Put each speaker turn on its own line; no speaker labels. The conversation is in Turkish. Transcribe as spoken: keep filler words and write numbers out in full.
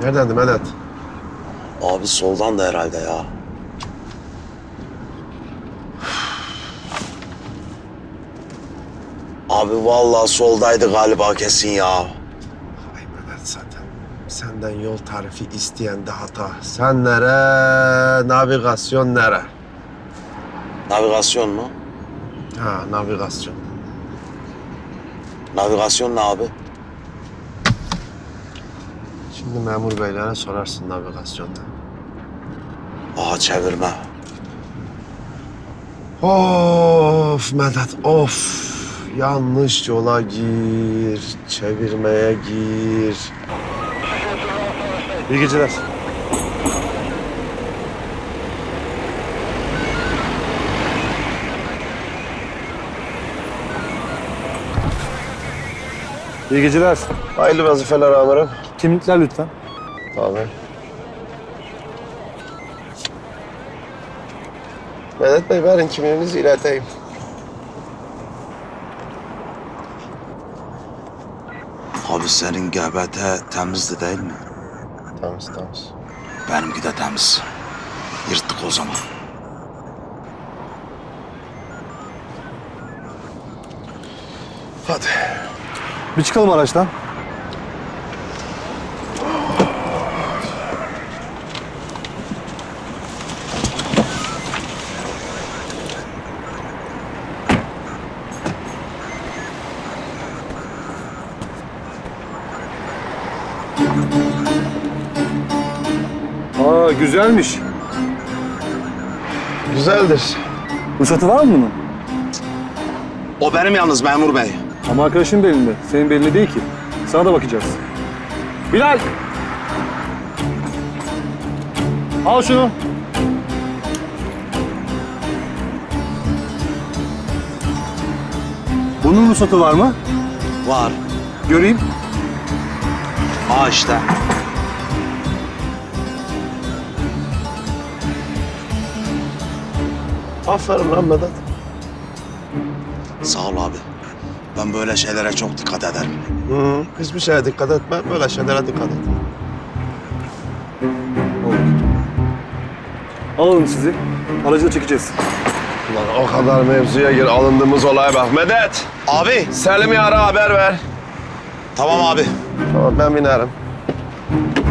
Neredendi Medet?
Abi soldan da herhalde ya. Abi vallahi soldaydı galiba kesin ya.
Ay Medet zaten. Senden yol tarifi isteyen de hata. Sen nere, navigasyon nere?
Navigasyon mu?
Ha, navigasyon.
Navigasyon ne abi?
Şimdi memur beylere sorarsın navigasyonda.
Aha çevirme.
Of Medet, of. Yanlış yola gir, çevirmeye gir. İyi geceler.
İyi geceler.
Hayırlı vazifeler amirim.
Kimlikler lütfen.
Tabii. Medet Bey verin kimliğinizi ileteyim.
Abi senin G B T temizdi değil mi?
Temiz, temiz.
Benimki de temiz. Yırttık o zaman.
Hadi.
Bir çıkalım araçtan. Aa güzelmiş.
Güzeldir.
Ruhsatı var mı bunun?
O benim yalnız memur bey.
Ama arkadaşın belinde. Senin belinde değil ki. Sana da bakacağız. Bilal! Al şunu. Bunun ruhsatı var mı?
Var.
Göreyim.
Aa işte.
Aferin lan Medet.
Sağ ol abi. Ben böyle şeylere çok dikkat ederim.
Hı, hiçbir şeye dikkat etme, böyle şeylere dikkat et.
Alalım sizi. Aracı da çekeceğiz.
Ulan o kadar mevzuya gir, alındığımız olaya bak. Medet,
Abi.
Selim'i ara haber ver.
Tamam abi.
Tamam, ben binerim.